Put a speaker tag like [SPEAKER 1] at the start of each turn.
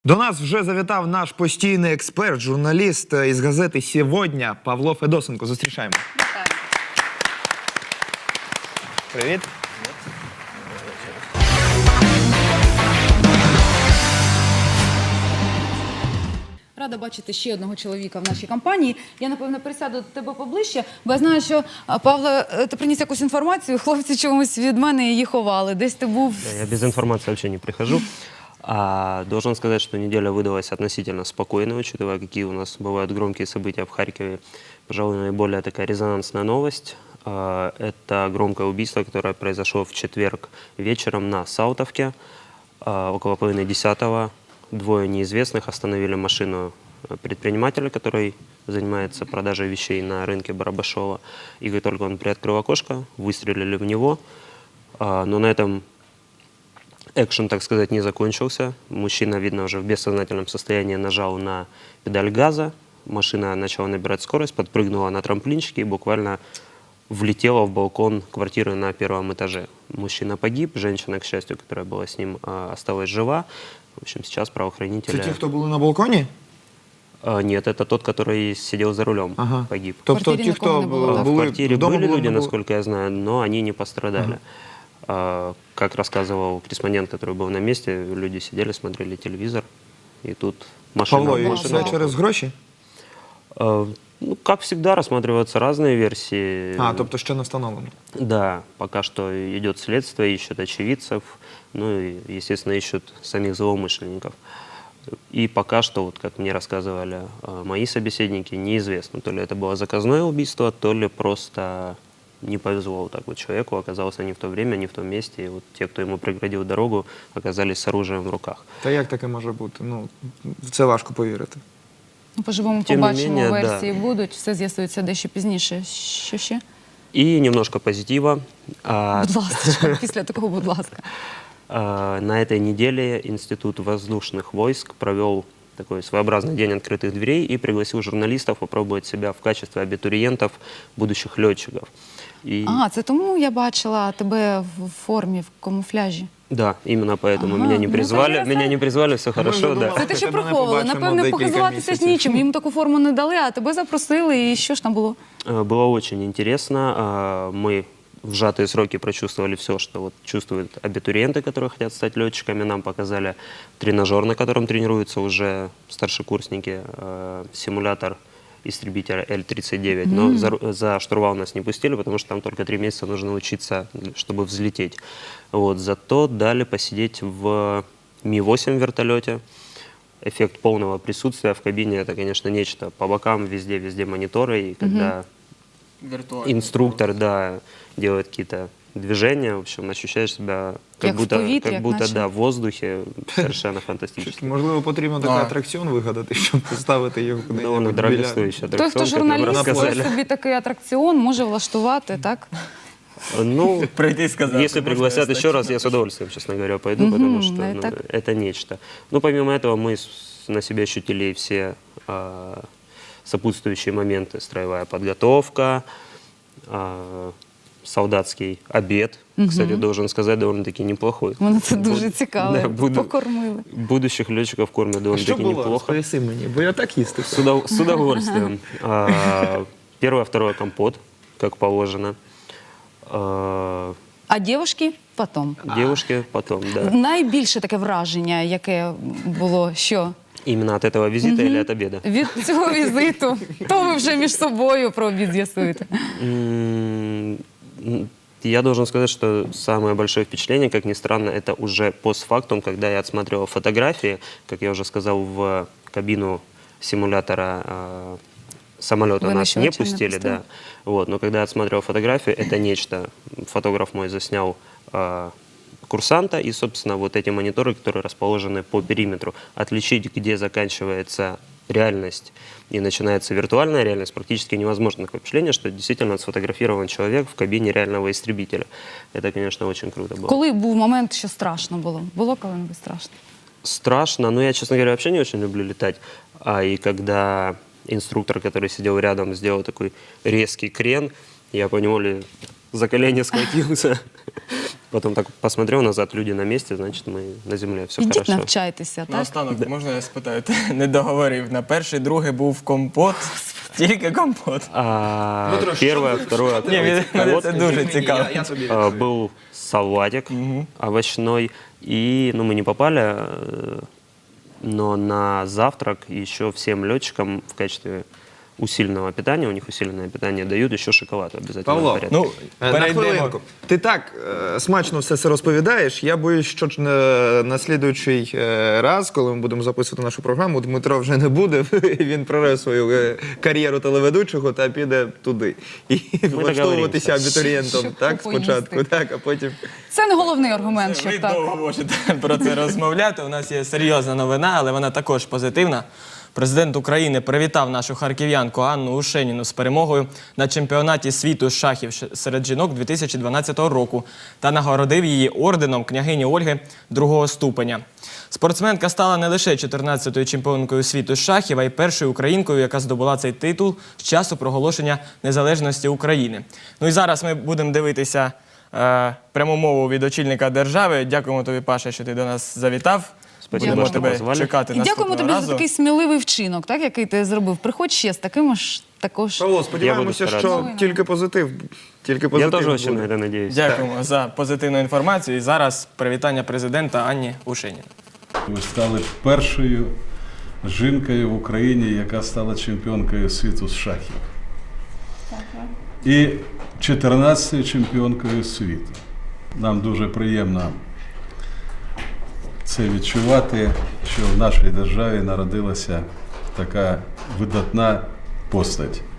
[SPEAKER 1] До нас вже завітав наш постійний експерт, журналіст із газети «Сьогодні» Павло Федосенко. Зустрічаємо. Привіт.
[SPEAKER 2] Рада бачити ще одного чоловіка в нашій компанії. Я, напевно, присяду до тебе поближче, бо я знаю, що, Павло, ти приніс якусь інформацію, хлопці чомусь від мене її ховали. Десь ти був...
[SPEAKER 3] Да, я без информации вообще не прихожу. Должен сказать, что неделя выдалась относительно спокойной, учитывая, какие у нас бывают громкие события в Харькове. Пожалуй, наиболее такая резонансная новость. Это громкое убийство, которое произошло в четверг вечером на Саутовке. Около 9:30 двое неизвестных остановили машину предпринимателя, который занимается продажей вещей на рынке Барабашова. И как только он приоткрыл окошко, выстрелили в него. Но на этом экшен, так сказать, не закончился. Мужчина, видно, уже в бессознательном состоянии нажал на педаль газа. Машина начала набирать скорость, подпрыгнула на трамплинчике и буквально влетела в балкон квартиры на первом этаже. Мужчина погиб, женщина, к счастью, которая была с ним, осталась жива. В общем, сейчас правоохранители...
[SPEAKER 1] Це ті, хто були на балконі?
[SPEAKER 3] Нет, это тот, который сидел за рулем, погиб.
[SPEAKER 1] Тобто ті, хто
[SPEAKER 3] В
[SPEAKER 1] були
[SPEAKER 3] квартире
[SPEAKER 1] вдома,
[SPEAKER 3] были люди,
[SPEAKER 1] не було?
[SPEAKER 3] насколько я знаю, но они не пострадали. Как рассказывал корреспондент, который был на месте, люди сидели, смотрели телевизор, и тут машина...
[SPEAKER 1] Павло, і
[SPEAKER 3] машина-
[SPEAKER 1] це через гроші?
[SPEAKER 3] Ну, как всегда, рассматриваются разные версии.
[SPEAKER 1] Тобто ще не встановлено.
[SPEAKER 3] Да, пока что идет следствие, ищут очевидцев, ну и, естественно, ищут самих злоумышленников. И пока что, вот как мне рассказывали мои собеседники, неизвестно, то ли это было заказное убийство, то ли просто не повезло вот так вот человеку, оказался не в то время, не в том месте, и вот те, кто ему преградил дорогу, оказались с оружием в руках.
[SPEAKER 1] Та як таке може бути? Ну, в це важко повірити.
[SPEAKER 2] Ну, поживемо,
[SPEAKER 3] Тим не
[SPEAKER 2] побачимо,
[SPEAKER 3] менее,
[SPEAKER 2] версії будуть, все з'ясується дещо пізніше. Що ще?
[SPEAKER 3] И немножко позитива.
[SPEAKER 2] Будь ласка, після такого, будь ласка.
[SPEAKER 3] На этой неделе Институт воздушных войск провел такой своеобразный день открытых дверей и пригласил журналистов попробовать себя в качестве абитуриентов, будущих летчиков. И...
[SPEAKER 2] Це тому я бачила тебе в формі, в камуфляжі.
[SPEAKER 3] Да, именно поэтому
[SPEAKER 2] Ага,
[SPEAKER 3] меня не
[SPEAKER 2] ну,
[SPEAKER 3] призвали,
[SPEAKER 2] понятно.
[SPEAKER 3] все хорошо, да.
[SPEAKER 2] Це те, що
[SPEAKER 1] Тебе не
[SPEAKER 2] приховували.
[SPEAKER 1] побачимо
[SPEAKER 2] Напевне,
[SPEAKER 1] декілька
[SPEAKER 2] похизуватися ж
[SPEAKER 1] місяців.
[SPEAKER 2] нічим. Їм таку форму не дали, а тебе запросили. І що ж там було?
[SPEAKER 3] Было очень интересно. Мы в сжатые сроки прочувствовали все, что вот чувствуют абитуриенты, которые хотят стать летчиками. Нам показали тренажер, на котором тренируются уже старшекурсники, симулятор истребителя Л-39. Но за штурвал нас не пустили, потому что там только 3 месяца нужно учиться, чтобы взлететь. Вот. Зато дали посидеть в Ми-8 вертолете. Эффект полного присутствия в кабине — это, конечно, нечто. По бокам везде мониторы, и когда инструктор, да, делает какие-то движения, в общем, ощущаешь себя
[SPEAKER 2] Як в повітрі, як наче.
[SPEAKER 3] да, в воздухе, совершенно фантастически.
[SPEAKER 1] Можливо, потрібно такий атракціон вигадати, щоб поставити його кудись.
[SPEAKER 3] Довольно дорогостоящий
[SPEAKER 2] Той, хто
[SPEAKER 3] аттракцион, как нам
[SPEAKER 2] журналіст,
[SPEAKER 3] рассказали.
[SPEAKER 2] хоче собі такий атракціон, може влаштувати, так?
[SPEAKER 3] Ну,
[SPEAKER 4] Пройти и сказать.
[SPEAKER 3] если пригласят еще раз, я с удовольствием, честно говоря, пойду, потому что
[SPEAKER 2] ну,
[SPEAKER 3] ну,
[SPEAKER 2] так.
[SPEAKER 3] это нечто. Ну, помимо этого, мы на себе ощутили и все сопутствующие моменты. Строевая подготовка, солдатский обед, кстати, должен сказать, довольно-таки неплохой.
[SPEAKER 2] Мене це дуже цікаво.
[SPEAKER 3] Да,
[SPEAKER 2] Покормили.
[SPEAKER 3] Будущих летчиков кормят
[SPEAKER 1] Що
[SPEAKER 3] довольно-таки
[SPEAKER 1] було?
[SPEAKER 3] неплохо.
[SPEAKER 1] Розповіси мені, бо я так їсти.
[SPEAKER 3] С удовольствием. Первое, второе компот, как положено.
[SPEAKER 2] А дівчатки потім.
[SPEAKER 3] Девушки потом, да.
[SPEAKER 2] Найбільше таке враження, яке було, що?
[SPEAKER 3] Именно от этого визита или от обеда?
[SPEAKER 2] Від цього візиту. То ви вже між собою про обід з'ясуєте.
[SPEAKER 3] Я должен сказать, что самое большое впечатление, как ни странно, это уже постфактум, когда я отсматривал фотографии, как я уже сказал, в кабину симулятора самолета нас не
[SPEAKER 2] Выносчивого
[SPEAKER 3] пустили,
[SPEAKER 2] не
[SPEAKER 3] да. Вот, но когда я отсматривал фотографию, это нечто. Фотограф мой заснял курсанта и, собственно, вот эти мониторы, которые расположены по периметру. Отличить, где заканчивается реальность и начинается виртуальная реальность, практически невозможно. Такое впечатление, что действительно сфотографирован человек в кабине реального истребителя. Это, конечно, очень круто было.
[SPEAKER 2] Коли був момент, що страшно було? Було коли-небудь страшно?
[SPEAKER 3] Страшно, но я, честно говоря, вообще не очень люблю летать. И когда инструктор, который сидел рядом, сделал такой резкий крен, я поневоле за колени схватился. Потом так посмотрел назад, люди на месте, значит, мы на земле, все
[SPEAKER 2] Ідіть
[SPEAKER 3] хорошо.
[SPEAKER 2] навчайтеся, так?
[SPEAKER 4] Наостанок, можна я спитаю? Ти не договорив. На перший, другий був компот, тільки компот.
[SPEAKER 3] Первое, второе,
[SPEAKER 4] Ні, мене
[SPEAKER 3] вот,
[SPEAKER 4] це дуже цікаво.
[SPEAKER 1] Я тобі
[SPEAKER 3] был салатик овощной, и, ну, мы не попали, но на завтрак еще всем летчикам в качестве усиленного питания, у них усиленное питание дают еще шоколад обязательно.
[SPEAKER 1] Павло,
[SPEAKER 3] в порядке.
[SPEAKER 4] Ну,
[SPEAKER 1] на
[SPEAKER 4] перейдемо.
[SPEAKER 1] хвилинку. Ти так смачно все це розповідаєш. Я боюсь, що на слідуючий раз, коли ми будемо записувати нашу програму, Дмитро вже не буде. Він прорве свою кар'єру телеведучого та піде туди. І влаштовуватися абітурієнтом,
[SPEAKER 2] Щоб
[SPEAKER 1] так, спочатку,
[SPEAKER 2] поїсти.
[SPEAKER 1] так, а потім...
[SPEAKER 2] Це не головний аргумент,
[SPEAKER 4] Ви
[SPEAKER 2] щоб так.
[SPEAKER 4] довго можете про це розмовляти. У нас є серйозна новина, але вона також позитивна. Президент України привітав нашу харків'янку Анну Ушеніну з перемогою на чемпіонаті світу з шахів серед жінок 2012 року та нагородив її орденом княгині Ольги другого ступеня. Спортсменка стала не лише 14-ю чемпіонкою світу з шахів, а й першою українкою, яка здобула цей титул з часу проголошення незалежності України. Ну і зараз ми будемо дивитися пряму мову від очільника держави. Дякуємо тобі, Паша, що ти до нас завітав.
[SPEAKER 3] Спасибо,
[SPEAKER 4] Будемо
[SPEAKER 3] що
[SPEAKER 4] тебе
[SPEAKER 3] позвали.
[SPEAKER 4] чекати
[SPEAKER 2] І дякуємо
[SPEAKER 4] наступного
[SPEAKER 2] тобі
[SPEAKER 4] разу.
[SPEAKER 2] за такий сміливий вчинок, так, який ти зробив. Приходь ще з такими ж також.
[SPEAKER 1] Павло, сподіваємося,
[SPEAKER 3] Я буду
[SPEAKER 1] що
[SPEAKER 3] старатися.
[SPEAKER 1] тільки позитив. Тільки
[SPEAKER 3] Я
[SPEAKER 1] позитив
[SPEAKER 3] тоже очень
[SPEAKER 1] буде.
[SPEAKER 3] на это надеюсь.
[SPEAKER 4] Дякуємо за позитивну інформацію. І зараз привітання президента Анні Ушенін.
[SPEAKER 5] Ви стали першою жінкою в Україні, яка стала чемпіонкою світу з шахів. І 14-ю чемпіонкою світу. Нам дуже приємно це відчувати, що в нашій державі народилася така видатна постать.